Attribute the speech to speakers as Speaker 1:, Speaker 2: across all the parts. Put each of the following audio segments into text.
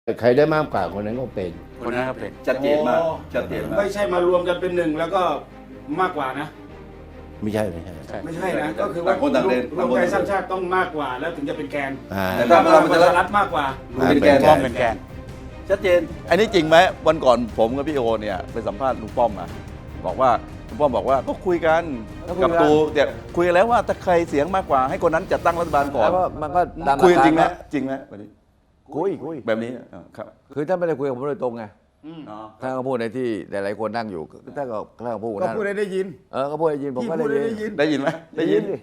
Speaker 1: ใครได้มากกว่าคนนั้นก็เป็น
Speaker 2: คนนั้นก็เป็น
Speaker 3: ชัดเจนมากชัดเจนมาก
Speaker 4: ไม่ใช่มารวมกันเป็นหนึ่งแล้วก็มากกว่านะ
Speaker 1: ไม่ใช่
Speaker 4: ไม่ใช่นะก็คือว่า
Speaker 3: ต่างคนต่างเล่น
Speaker 4: รวมไทยสร้างชาติต้องมากกว่าแล้วถึงจะเป็นแกน
Speaker 3: แต่
Speaker 4: ถ้า
Speaker 3: ถ้า
Speaker 4: พ
Speaker 3: พลั
Speaker 4: ลั
Speaker 3: ง
Speaker 4: ง
Speaker 3: ป
Speaker 4: ประ ระ
Speaker 3: ชา
Speaker 4: ชา
Speaker 3: รั
Speaker 4: รั
Speaker 3: ฐ
Speaker 4: ฐมากกว่า
Speaker 3: เป็นแกน
Speaker 2: ป้อมเป็นแกน
Speaker 3: ชัดเจนอันนี้จริงไหมวันก่อนผมกับพี่โอเนี่ยไปสัมภาษณ์ลุงป้อมมาบอกว่าลุงป้อมบอกว่าก็คุยกันกับตูเนี่ยคุยกันแล้วว่าถ้าใครเสียงมากกว่าให้คนนั้นจัดตั้งรัฐบาลก่อน
Speaker 5: แล้วก็มันก็ตาม
Speaker 3: คุยจริงไหม
Speaker 5: หลักกา
Speaker 3: จริงไหมวันนี้
Speaker 5: คุย
Speaker 3: แบบนี้ครับ
Speaker 5: คือท่านไม่ได้คุยกับผมโดยตรงไง
Speaker 3: อ๋อ
Speaker 5: ท่านก็พูดในที่หลายๆคนนั่งอยู่ท่านก็พูด
Speaker 4: ก็
Speaker 5: นั่น
Speaker 4: พูดได้ยิน
Speaker 5: ก็พูดได้ยินผม
Speaker 4: พี่
Speaker 5: ก็
Speaker 4: พูดได้
Speaker 5: ได้
Speaker 4: ยิ
Speaker 5: ยิ
Speaker 4: น
Speaker 5: น
Speaker 3: ได้ยินไหมได้ยิน
Speaker 5: ดิ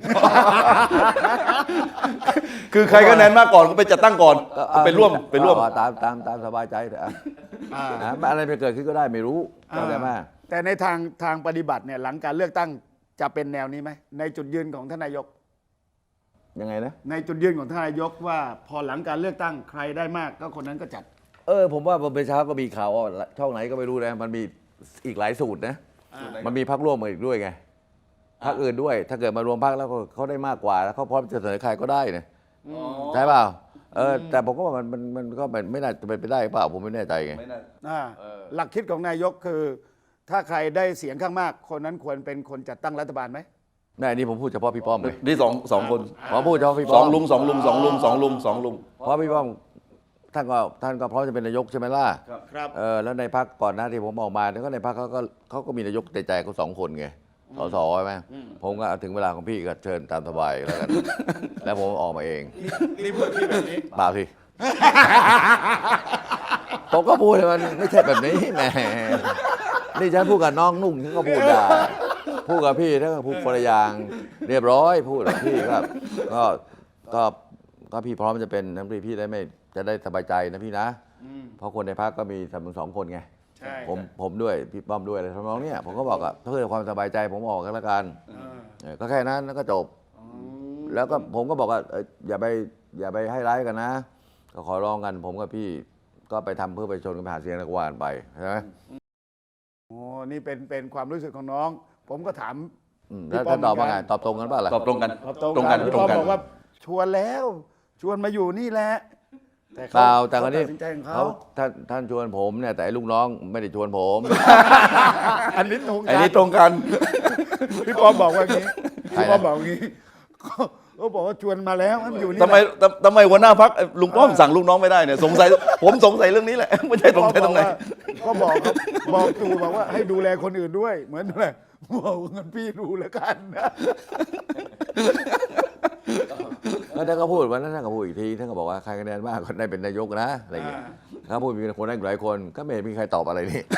Speaker 3: คือใครคะแนนมากก่อนก็ไปจัดตั้งก่อนไปร่วม
Speaker 5: ตามสบายใจเถอะอะไรไปเกิดขึ้นก็ได้ไม่รู้เข้าใจไหม
Speaker 4: แต่ในทางปฏิบัติเนี่ยหลังการเลือกตั้งจะเป็นแนวนี้ไหมในจุดยืนของท่านนายก
Speaker 5: ยังไงนะ
Speaker 4: ในจุดยืนของท่านนายกว่าพอหลังการเลือกตั้งใครได้มากก็คนนั้นก็จัด
Speaker 5: ผมว่าเมื่อเช้าก็มีข่าวว่าช่องไหนก็ไม่รู้นะมันมีอีกหลายสูตรนะมันมีพรรคร่วมมาอีกด้วยไงพรรคอื่นด้วย ถ้าเกิดมารวมพรรคแล้วเขาได้มากกว่าแล้วเขาพร้อมจะเสนอใครก็ได้เนี่ยใช่เปล่าแต่ผมก็ว่ามันก็ไม่น่าจะเป็นไปได้เปล่าผมไม่แน่ใจไง
Speaker 3: ไม่น่า
Speaker 4: หลักคิดของนายกคือ ถ้าใครได้เสียงข้างมาก คนนั้นควรเป็นคนจัดตั้งรัฐบาลไหม
Speaker 5: นี่นี่ผมพูดเฉพาะพี่ป้อมเลย
Speaker 3: นี่สองคน
Speaker 5: ผมพูดเฉพาะพี่
Speaker 3: ส
Speaker 5: ป้
Speaker 3: อ
Speaker 5: อง ม
Speaker 3: ลุงสองลุงสองลุงสองลุงสองลุง
Speaker 5: เพราะพี่ป้อมท่านก็พร้อมจะเป็นนายกใช่ไหมล่ะ
Speaker 4: ครับ
Speaker 5: แล้วในพรรคก่อนหน้าที่ผมออกมาเนี่ยก็ในพรรคเขาก็มีนายกในใจเขา2 คนไงสใช่ไหมผมก็ถึงเวลาของพี่ก็เชิญตามสบายแล้วกัน แล้วผมออกมาเอง
Speaker 4: นี่พูดที่แบบนี้
Speaker 5: เปล่าสิ ผมก็พูดเลยมันไม่ใช่แบบนี้แหมนี่ฉันพูดกับน้องนุ่งฉันก็พูดได้พูดกับพี่ถ้าก็พูดคนละอย่างเรียบร้อยพูดกับพี่ก็พี่พร้อมจะเป็นน้ำพี่ได้ไม่จะได้สบายใจนะพี่นะเพราะคนในพรรคก็มี2 คนไง
Speaker 4: ใช่
Speaker 5: ผมด้วยพี่ป้อมด้วยอะไรทำนองเนี้ยผมก็บอกเพื่อความสบายใจผมออกกันแล้วกันก็แค่นั้นแล้วก็จบ แล้วก็ผมก็บอกว่าอย่าไปให้ร้ายกันนะ ก็ขอร้องกันผมกับพี่ก็ไปทำเพื่อไปชนกันไปหาเสียงแล้วก็ว่ากันไปใช่ไหม
Speaker 4: โอ้นี่เป็นความรู้สึกของน้อง ผมก็ถาม
Speaker 5: แล้วท่านตอบว่าไงตอบตรงกันป่ะล่ะ
Speaker 3: ตอบตรงกัน
Speaker 4: ตรงกันพี่ปอมบอกว่าชวนแล้วชวนมาอยู่นี่แหละแต่
Speaker 5: เปล่าแต่คนนี้
Speaker 4: ตัดสินใจของ
Speaker 5: เขา
Speaker 4: เขา
Speaker 5: ท่านชวนผมเนี่ยแต่ไอ้ลูกน้องไม่ได้ชวนผม
Speaker 4: อันนี้ตรง
Speaker 3: อัน
Speaker 4: กั
Speaker 3: นี้
Speaker 4: น
Speaker 3: ตรงกัน
Speaker 4: พี่ปอมบอกว่างี้
Speaker 5: ใครนะ
Speaker 4: พี่ปอมบอกงี้เขาบอกว่าชวนมาแล้วมันอยู่นี่
Speaker 3: ทำไมหัวหน้าพักลุงป้อมสั่งลูกน้องไม่ได้เนี่ยสงสัยผมสงสัยเรื่องนี้แหละไม่ใช่สงสัยตรงไหน
Speaker 4: ก็บอกครับบอกตู่บอกว่าให้ดูแลคนอื่นด้วย เหมือนอะไรบอกเงินพี่ดูแล้วกันนะ
Speaker 5: แล้วท่านก็พูดวันนั้นท่านก็พูดอีกทีท่านก็บอกว่าใครคะแนนมากก็ได้เป็นนายกนะอะไรอย่างเงี้ยถ้าพูดมีคนได้หลายคนก็ไม่เห็นมีใครตอบอะไรนี่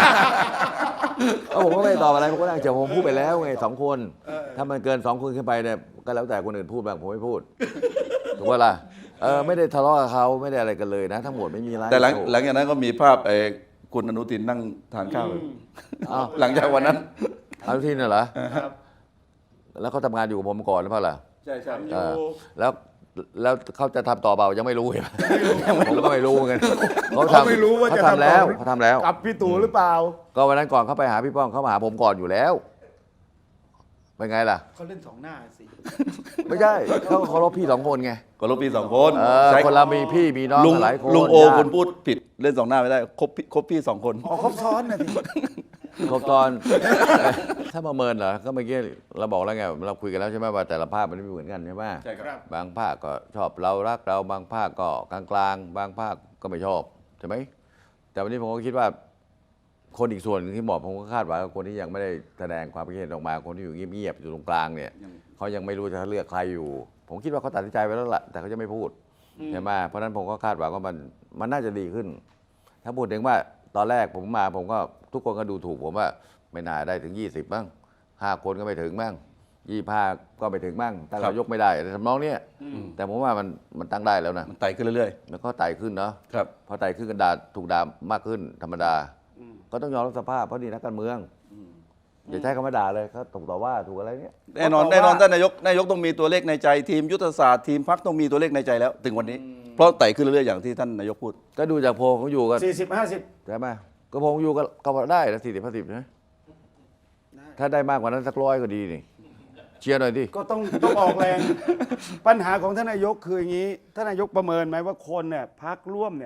Speaker 5: ผมก็ไม่ตอบอะไรผมก็นั่งเฉยผมพูดไปแล้วไง2 คน ถ้ามันเกิน2 คนขึ้นไปเนี่ยก็แล้วแต่คนอื่นพูดบ้างผมไม่พูดถูกป่ะล่ะไม่ได้ทะเลาะกับเขาไม่ได้อะไรกันเลยนะ ทั้งหมดไม่มีอะไร
Speaker 3: แต่หลังจากนั้นก็มีภาพคุณอนุทินนั่งทานข้าวหลังจากวันนั้น
Speaker 5: อนุทินน่ะเหรอแล้วเขาทำงานอยู่กับผมก่อนหรือเปล่าล่ะ
Speaker 3: ใช่ใช่
Speaker 5: แล้วเขาจะทำต่อเปล่ายังไม่รู้เห็นไหมผมก็ไม่รู้เหมือนกันเขา
Speaker 4: เขาไม่รู้ว่าจะ
Speaker 5: ทำแล้ว
Speaker 4: ต่อ
Speaker 5: เขาทำแล้ว
Speaker 4: กับพี่ตู่หรือเปล่า
Speaker 5: ก็วันนั้นก่อนเขาไปหาพี่ป้อมเขามาหาผมก่อนอยู่แล้วเป็นไงล่ะ
Speaker 4: เขาเล่น2 หน้าสิ
Speaker 5: ไม่ใช่เขาเคารพพี่2 คนไง
Speaker 3: ก็ลบปี2 คน
Speaker 5: ใช่คนเรามีพี่มีน้อง
Speaker 3: ลุง
Speaker 5: หลายคน
Speaker 3: ลุงโอ
Speaker 5: ญาติ
Speaker 3: คุณพูดผิดเล่น2 หน้าไม่ได้ครบพี่2 คน
Speaker 4: อ๋อครบซ้อนนะสิ
Speaker 5: ครบตอน ถ้าประเมินเหรอก็เมื่อกี้เราบอกแล้วไงเราคุยกันแล้วใช่ไหมว่าแต่ละภาคมันไม่เหมือนกันใช่ไหม
Speaker 3: ใช่ครับ
Speaker 5: บางภาคก็ชอบเรารักเราบางภาคก็กลางๆบางภาคก็ไม่ชอบใช่ไหมแต่วันนี้ผมก็คิดว่า คนอีกส่วนหนึ่งที่บอกผมก็คาดหวังกับคนที่ยังไม่ได้แสดงความคิดเห็นออกมาคนที่อยู่เงียบๆอยู่ตรงกลางเนี่ยเขายังไม่รู้จะเลือกใครอยู่ ผมคิดว่าเขาตัดสินใจไว้แล้วล่ะแต่เขาจะไม่พูดใช่ไหมเพราะฉะนั้นผมก็คาดหวังว่ามันน่าจะดีขึ้น ถ้าพูดถึงว่าตอนแรกผมมาผมก็ทุกคนก็ดูถูกผมว่าไม่น่าได้ถึง20บ้าง5 คนก็ไม่ถึงบ้าง25ก็ไม่ถึงบ้างตั้งนายกไม่ได้อะไรทำนองเนี้ยแต่ผมว่ามันตั้งได้แล้วนะ
Speaker 3: มันไต่ขึ้นเรื่อย
Speaker 5: แล้วก็ไต่ขึ้นเนาะ
Speaker 3: ๆครับ
Speaker 5: พอไต่ขึ้นกันถูกด่ามากขึ้นธรรมดา ก็ต้องยอมรับสภาพเพราะนี่นักการเมืองอย่าใช้คำว่าด่าเลยเขาถูกต่อว่าถูกอะไรเนี่ย
Speaker 3: แน่นอนท่านนายกต้องมีตัวเลขในใจทีมยุทธศาสตร์ทีมพรรคต้องมีตัวเลขในใจแล้ว ถึงวันนี้เพราะไต่ขึ้นเรื่อยๆอย่างที่ท่านนายกพูด
Speaker 5: ก็ดูจากโพลของอยู่กัน
Speaker 4: 40-50
Speaker 5: ใช่ไหมก็โพลของอยู่ก็ได้นะ40-50นะถ้าได้มากกว่านั้นสัก100ก็ดีนี่เชียร์หน่อยดิ
Speaker 4: ก็ต้องออกแรง ปัญหาของท่านนายกคืออย่างนี้ท่านนายกประเมินไหมว่าคนเนี่ยพักร่วมเนี่ย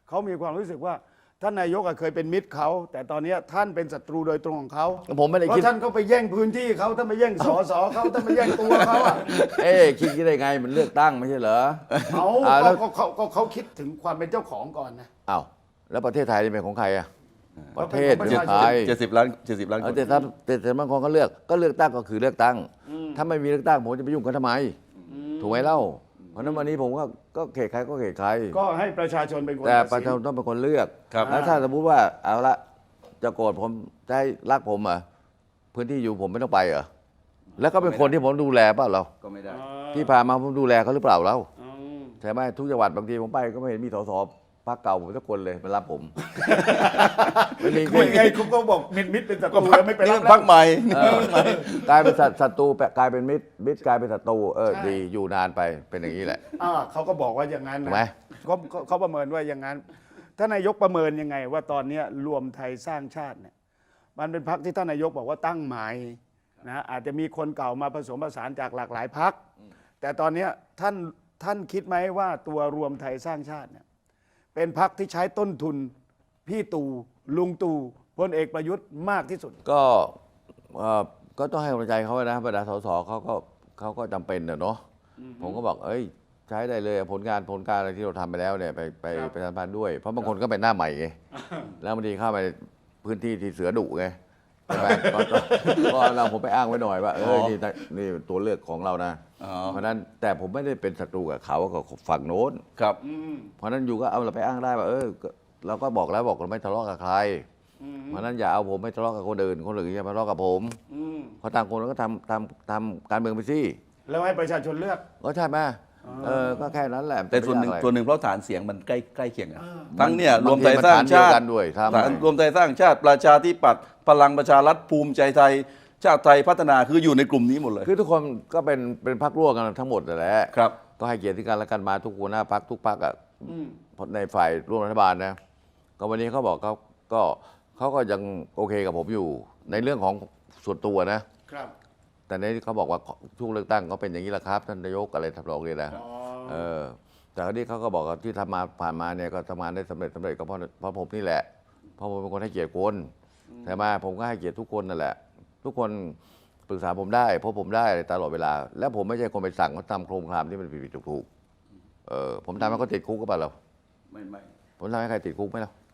Speaker 4: เขามีความรู้สึกว่าท่านนายกเคยเป็นมิตรเขาแต่ตอนนี้ท่านเป็นศัตรูโดยตรงของเขา
Speaker 5: ผมไม่ได้
Speaker 4: เพ
Speaker 5: คิด
Speaker 4: ราะท่านก็ไปแย่งพื้นที่เขาท่านไปแย่งสสเขาท่านไปแย่งตัวเขาอ่ะ
Speaker 5: คิดได้ไงมันเลือกตั้งไม่ใช่เหรอ
Speaker 4: เอา
Speaker 5: แล้ว
Speaker 4: เขาคิดถึงความเป็นเจ้าของก่อนนะ
Speaker 5: อ้าวแล้วประเทศไทยนี่เป็นของใครอะประเทศ
Speaker 4: ก็
Speaker 5: เป็
Speaker 4: เป็น น
Speaker 5: ข
Speaker 4: ข
Speaker 5: อ
Speaker 4: อง ง
Speaker 5: ใคร
Speaker 3: 70 ล้านคน
Speaker 5: แต่ถ้าแต่บางคนก็เลือกตั้งก็คือเลือกตั้ง ถ้าไม่มีเลือกตั้งผมจะไปยุ่งกันทำไมถูกไหมเล่าเพราะฉะนั้นวันนี้ผมก็เขตใครก็เขตใคร
Speaker 4: ก็ให้ประชาชนเป็นคน
Speaker 5: แต่
Speaker 4: ตัด
Speaker 5: ประ
Speaker 4: สิ
Speaker 5: ชาน ชนต้องเป็นคนเลือก
Speaker 3: ครับ
Speaker 5: แล้วถ้าสมมติว่าเอาละจะโกรธผมจะให้รักผมเหรอพื้นที่อยู่ผมไม่ต้องไปเหรอแล้วก็เป็นคนที่ผมดูแลเปล่าเรา
Speaker 3: ก็ไม่ได้
Speaker 5: ที่ผ่านมาผมดูแลเขาหรือเปล่าเรา
Speaker 4: อืม
Speaker 5: ใช่ไหมทุกจังหวัดบางทีผมไปก็ไม่เห็นมีสสพรรคเก่าผมสักคนเลยมารับผมไม่มี
Speaker 4: คุยไงคุณก็บอกมิตรเป็นศัตรูแล้วไม่เป็นรับ
Speaker 3: พักใหม่
Speaker 5: เออกลายเป็นศัตรูกลายเป็นมิตรกลายเป็นศัตรูดีอยู่นานไปเป็นอย่างนี้แหละ
Speaker 4: เขาก็บอกว่าอย่างนั้น
Speaker 5: ถู
Speaker 4: นะ
Speaker 5: กไหม
Speaker 4: เขาประเมินว่าอย่างนั้นท่านนายกประเมินยังไง ว่าตอนนี้รวมไทยสร้างชาติเนี่ยมันเป็นพรรคที่ท่านนายกบอกว่าตั้งใหม่นะอาจจะมีคนเก่ามาผสมผสานจากหลากหลายพรรคแต่ตอนนี้ท่านคิดไหมว่าตัวรวมไทยสร้างชาติเนี่ยเป็นพรรคที่ใช้ต้นทุนพี่ตู่ลุงตู่พลเอกประยุทธ์มากที่สุด
Speaker 5: ก็ต้องให้กำลังใจเขานะบรรดาสสเขาก็จำเป็นเนาะผมก็บอกใช้ได้เลยผลการอะไรที่เราทำไปแล้วเนี่ยไปประชาสัมพันธ์ด้วย เพราะบางคนก็เป็นหน้าใหม่ไงแล้วบางทีเข้าไปพื้นที่ที่เสือดุไงใช่ไหมก็เราผมไปอ้างไว้หน่อยว่านี่ตัวเลือกของเรานะ
Speaker 3: อ๋อ
Speaker 5: เพราะฉะนั้นแต่ผมไม่ได้เป็นศัตรูกับเขากับฝั่งโน้น
Speaker 3: ครับ
Speaker 5: เพราะฉะนั้นอยู่ก็เอาเราไปอ้างได้ว่าเราก็บอกแล้วบอกเราไม่ทะเลาะกับใครเพราะฉะนั้นอย่าเอาผมไม่ทะเลาะกับคนอื่นอย่ามาทะเลาะกับผมเพราะต่างคนก็ทำการเมืองไปสิ
Speaker 4: แล้วให้ประชาชนเลือก
Speaker 5: ก็ใช่ไหมก็แค่นั้นแหละ
Speaker 3: แต่ส่วนหนึ่ง
Speaker 5: ไม่ยากอะไร
Speaker 3: ส่วนหนึ่งเพราะฐานเสียงมันใกล้เคียงกันทั้งเนี่ยร
Speaker 5: บาง
Speaker 3: วม
Speaker 5: ที
Speaker 3: ไทยสร้าง
Speaker 5: มันฐานเดียว
Speaker 3: ชาติ
Speaker 5: กันด้วยครับ
Speaker 3: ฐานรวมไทยสร้างชาติประชาธิปัตย์พลังประชารัฐภูมิใจไทย ชาติไทยพัฒนาคืออยู่ในกลุ่มนี้หมดเลย
Speaker 5: คือทุกคนก็เป็นพรรคร่วมกันทั้งหมดนั่นแหละ
Speaker 3: ครับ
Speaker 5: ก็ให้เกียรติกันและกันมาทุกหัวหน้าพรรคทุกพรรคอ่ะในฝ่ายร่วมรัฐบาลนะก็วันนี้เขาบอกเขาก็ยังโอเคกับผมอยู่ในเรื่องของส่วนตัวนะ
Speaker 4: ครับ
Speaker 5: แต่ในที่เขาบอกว่าช่วงเลือกตั้งก็เป็นอย่างนี้แหละครับท่านนายกอะไรทำนองนี้นะแต่คราวนี้เขาก็บอกว่าที่ทำมาผ่านมาเนี่ยก็ทำงานได้สำเร็จก็เพราะผมนี่แหละเพราะผมเป็นคนให้เกียรติคนใช่ไหมผมก็ให้เกียรติทุกคนนั่นแหละ ทุกคนปรึกษาผมได้เพราะผมได้ตลอดเวลา และผมไม่ใช่คนไปสั่งเขาทำโครงการที่มันผิดถูกผมทำให้เขาติดคุกก็เปล่าเรา
Speaker 3: ไม่
Speaker 5: ผมทำให้ใครติดคุกไหมเรา